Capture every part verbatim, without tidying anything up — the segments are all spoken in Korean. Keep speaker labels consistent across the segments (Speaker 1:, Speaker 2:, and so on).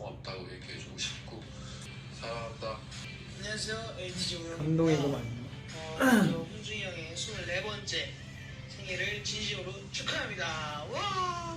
Speaker 1: 고맙다고 얘기해주고 싶고 사랑한다.
Speaker 2: 안녕하세요, 엘티지 오영입니다.
Speaker 3: 감동이구만.
Speaker 2: 어, 먼저 홍준이 형의 스물네 번째 생일을 진심으로 축하합니다. 와!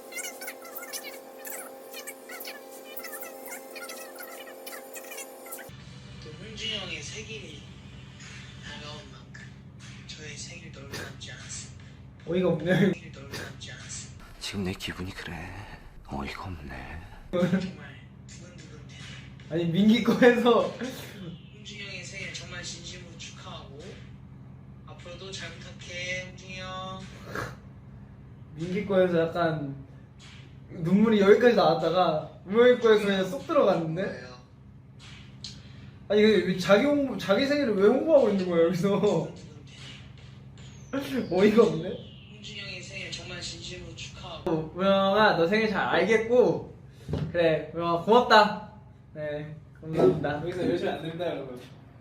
Speaker 2: 또 홍준이 형의 생일이 다가온 만큼 저의 생일도 얼마 남지 않았습니다.
Speaker 3: 어이가 없네.
Speaker 2: 생일도 얼마 남지 않았습니다.
Speaker 4: 지금 내 기분이 그래. 어이가 없네.
Speaker 2: 정말 두근두근 되네.
Speaker 3: 아니 민기 거에서
Speaker 2: 홍준이 형의 생일 정말 진심으로 축하하고 앞으로도 잘 부탁해, 홍준이 형.
Speaker 3: 민기 거에서 약간 눈물이 여기까지 나왔다가 우영이 거에서 그냥 쏙 들어갔는데.
Speaker 2: 뭐예요?
Speaker 3: 아니 왜 자기 홍보, 자기 생일을 왜 홍보하고 있는 거야 여기서?
Speaker 2: 두근두근 되네.
Speaker 3: 어이가 없네.
Speaker 2: 홍준이 형의 생일 정말 진심으로 축하하고
Speaker 3: 우영아 너 생일 잘 알겠고 그래 우영아 고맙다. 네 감사합니다. 여기서 열심히 안 됩니다 여러분.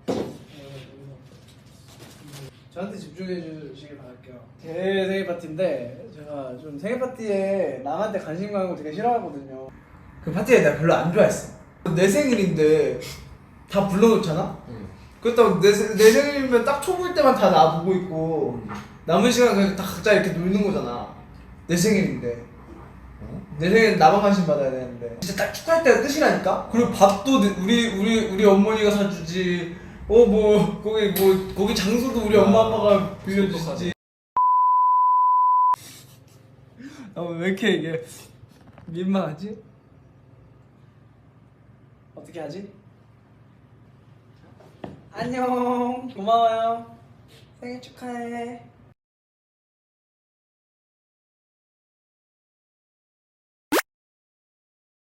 Speaker 3: 저한테 집중해 주시길 바랄게요. 제 생일 파티인데 제가 좀 생일 파티에 남한테 관심 가는 거 되게 싫어하거든요. 그 파티에 내가 별로 안 좋아했어. 내 생일인데 다 불러놓잖아?
Speaker 4: 응.
Speaker 3: 그렇다고 내, 생- 내 생일이면 딱 초보일 때만 다 나 보고 있고 남은 시간 그냥 다 각자 이렇게 놀는 거잖아. 내 생일인데 내 생일 나만 관심 받아야 되는데 진짜 딱 축하할 때가 끝이라니까? 그리고 밥도 내- 우리 우리 우리 어머니가 사주지. 어 뭐 거기 뭐 거기 장소도 우리 엄마 아빠가 빌려주시지. 어, 왜 이렇게 이게 민망하지? 어떻게 하지? 안녕 고마워요 생일 축하해.